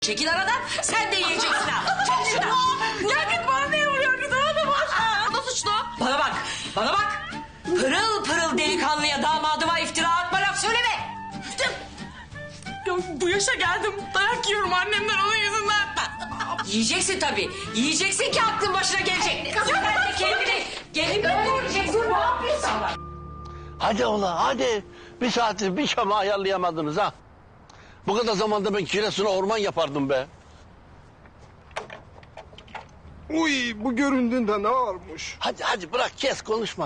Çekil aradan, sen de yiyeceksin ha. Çekil şuradan. Ya git bana ne oluyor? Git ona da var. O da suçlu. Bana bak, bana bak. Pırıl pırıl delikanlıya damadıma iftira atma, laf söyleme. Ya bu yaşa geldim. Dayak yiyorum annemden onun yüzünden. Yiyeceksin tabii. Yiyeceksin ki aklın başına gelecek. Sen de kendini göreceksin. Ne yapıyorsun? Hadi ola hadi. Bir saattir bir şama ayarlayamadınız ha. Bu kadar zamanda ben Giresun'a orman yapardım be. Uy bu göründüğünde ne varmış? Hadi hadi bırak kes konuşma.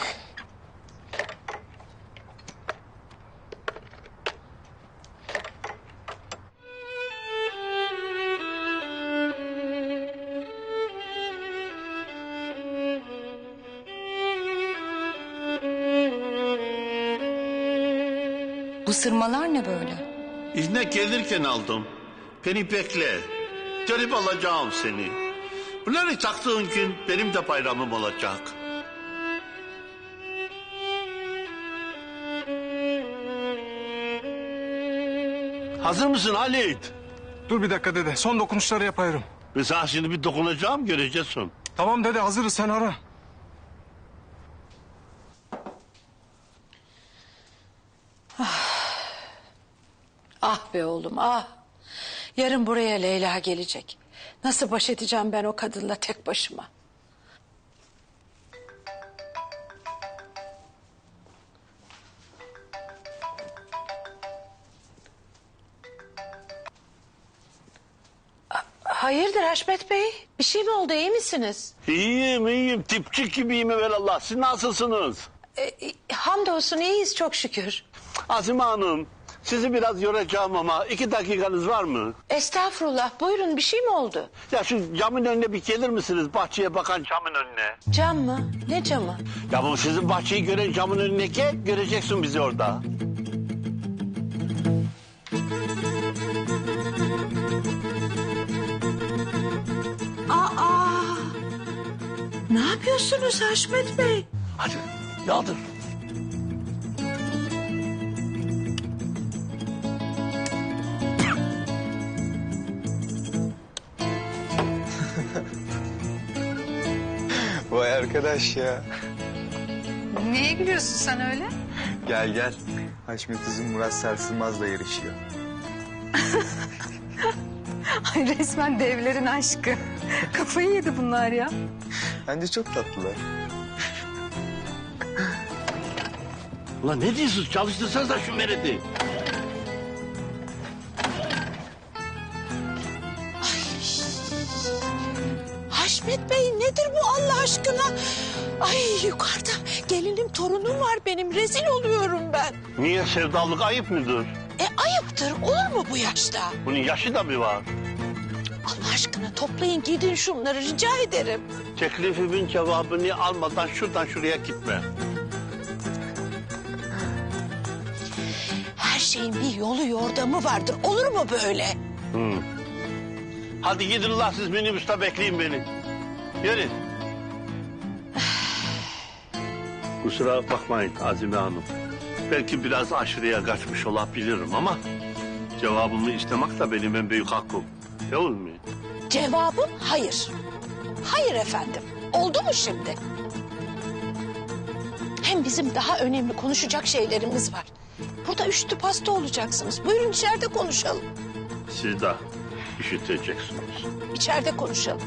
Bu sırmalar ne böyle? İzne gelirken aldım. Beni bekle. Gelip alacağım seni. Bunları taktığın gün benim de bayramım olacak. Hazır mısın Halit? Dur bir dakika dede, son dokunuşları yapıyorum. Ben sana şimdi bir dokunacağım, göreceksin. Tamam dede, hazırız, sen ara. Ah be oğlum ah. Yarın buraya Leyla gelecek. Nasıl baş edeceğim ben o kadınla tek başıma? Hayırdır Haşmet Bey? Bir şey mi oldu, iyi misiniz? İyiyim iyiyim, tipçik gibiyim evelallah. Siz nasılsınız? Hamdolsun iyiyiz çok şükür. Azime Hanım, sizi biraz yoracağım ama 2 dakikanız var mı? Estağfurullah, buyurun, bir şey mi oldu? Ya şu camın önüne bir gelir misiniz? Bahçeye bakan camın önüne. Cam mı? Ne camı? Ya bu sizin bahçeyi gören camın önüne gel, göreceksin bizi orada. Aa! Ne yapıyorsunuz Haşmet Bey? Hadi yaldır. Vay arkadaş ya. Neye gülüyorsun sen öyle? Gel gel. Haşmet Uzun Murat Sarsılmaz'la yarışıyor. Ay resmen devlerin aşkı. Kafayı yedi bunlar ya. Bence çok tatlılar. Ulan ne diyorsunuz? Çalıştırsanız da şu meredi. Haşmet Bey nedir bu Allah aşkına? Ay yukarıda gelinim torunum var benim, rezil oluyorum ben. Niye sevdalık ayıp mıdır? Ayıptır, olur mu bu yaşta? Bunun yaşı da mı var? Allah aşkına toplayın gidin şunları, rica ederim. Teklifimin cevabını almadan şuradan şuraya gitme. Her şeyin bir yolu yordamı vardır, olur mu böyle? Hadi gidin la siz minibüste bekleyin beni. Yürü. Kusura bakmayın Azime Hanım. Belki biraz aşırıya kaçmış olabilirim ama... ...cevabımı istemek de benim en büyük hakkım. Ne olur mu? Cevabım hayır. Hayır efendim. Oldu mu şimdi? Hem bizim daha önemli konuşacak şeylerimiz var. Burada üstü pasta olacaksınız. Buyurun içeride konuşalım. Siz de işiteceksiniz. İçeride konuşalım.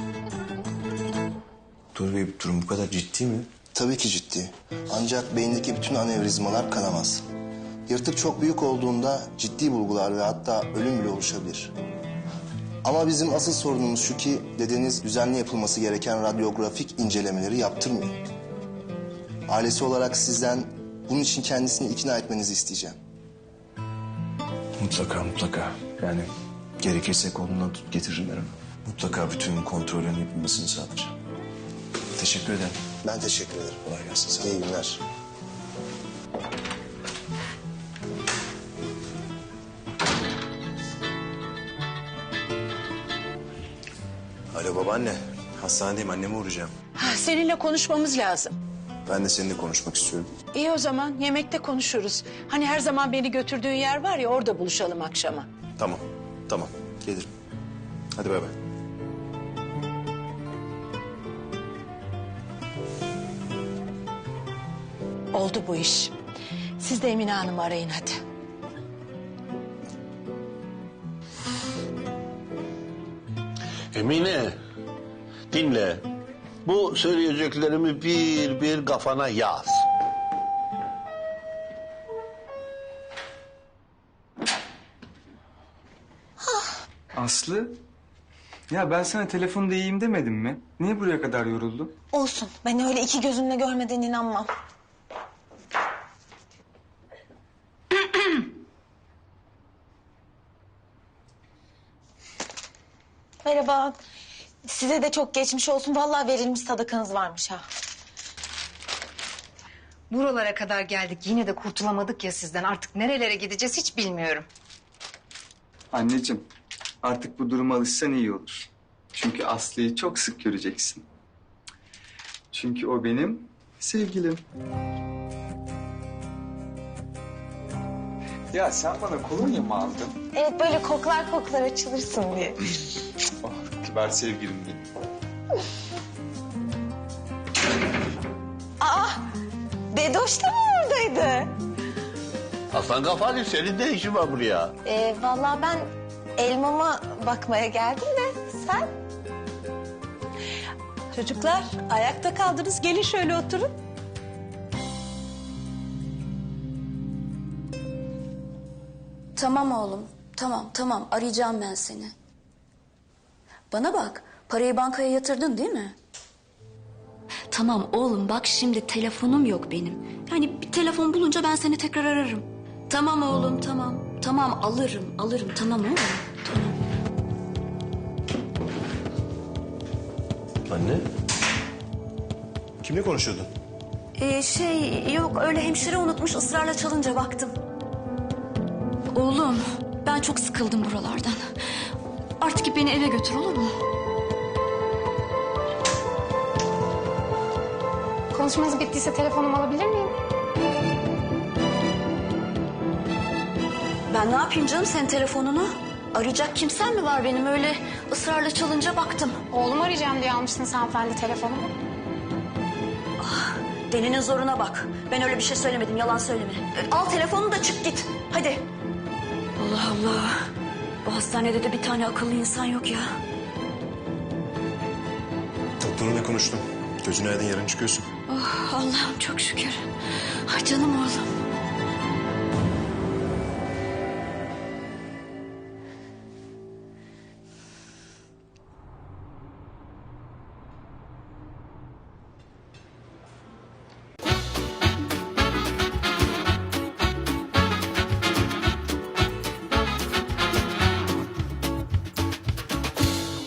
Dur Bey, durum bu kadar ciddi mi? Tabii ki ciddi. Ancak beyindeki bütün anevrizmalar kanamaz. Yırtık çok büyük olduğunda ciddi bulgular ve hatta ölüm bile oluşabilir. Ama bizim asıl sorunumuz şu ki dedeniz düzenli yapılması gereken radyografik incelemeleri yaptırmıyor. Ailesi olarak sizden bunun için kendisini ikna etmenizi isteyeceğim. Mutlaka mutlaka. Yani gerekirse kolundan tut getiririm ben onu. Mutlaka bütün kontrolün yapılmasını sağlayacağım. Teşekkür ederim. Ben teşekkür ederim. Kolay gelsin. Sağ İyi olun. günler. Alo babaanne. Hastanedeyim, anneme uğrayacağım. Seninle konuşmamız lazım. Ben de seninle konuşmak istiyorum. İyi o zaman yemekte konuşuruz. Hani her zaman beni götürdüğün yer var ya, orada buluşalım akşama. Tamam. Gelirim. Hadi bay bay. Oldu bu iş. Siz de Emine Hanım'ı arayın hadi. Emine, dinle. Bu söyleyeceklerimi bir bir kafana yaz. Aslı? Ya ben sana telefonda iyiyim demedim mi? Niye buraya kadar yoruldun? Olsun. Ben öyle iki gözümle görmeden inanmam. Merhaba. Size de çok geçmiş olsun. Vallahi verilmiş sadakanız varmış ha. Buralara kadar geldik yine de kurtulamadık ya sizden. Artık nerelere gideceğiz hiç bilmiyorum. Anneciğim, artık bu duruma alışsan iyi olur. Çünkü Aslı'yı çok sık göreceksin. Çünkü o benim sevgilim. Ya sen bana kolonya mı aldın? Evet böyle koklar koklar açılırsın diye. Oh, kibar sevgilim benim. Bedoş da mı oradaydı? Aslan kafalı, senin ne işin var buraya? Vallahi ben elmama bakmaya geldim de sen? Çocuklar ayakta kaldınız. Gelin şöyle oturun. Tamam oğlum. Tamam. Arayacağım ben seni. Bana bak. Parayı bankaya yatırdın değil mi? Tamam oğlum bak şimdi telefonum yok benim. Yani bir telefon bulunca ben seni tekrar ararım. Tamam oğlum tamam. Tamam alırım tamam oğlum. Tamam. Anne? Kimle konuşuyordun? Yok öyle hemşire unutmuş ısrarla çalınca baktım. Oğlum ben çok sıkıldım buralardan. Artık beni eve götür olur mu? Konuşmanız bittiyse telefonumu alabilir miyim? Ben ne yapayım canım senin telefonunu? Arayacak kimsen mi var benim öyle ısrarla çalınca baktım. Oğlumu arayacağım diye almışsınız hanımefendi telefonumu. Delinin zoruna bak. Ben öyle bir şey söylemedim yalan söyleme. Al telefonunu da çık git. Hadi. Allah Allah. Bu hastanede de bir tane akıllı insan yok ya. Doktorunla konuştum. Gözün aydın, yarın çıkıyorsun. Oh, Allah'ım çok şükür. Ay canım oğlum.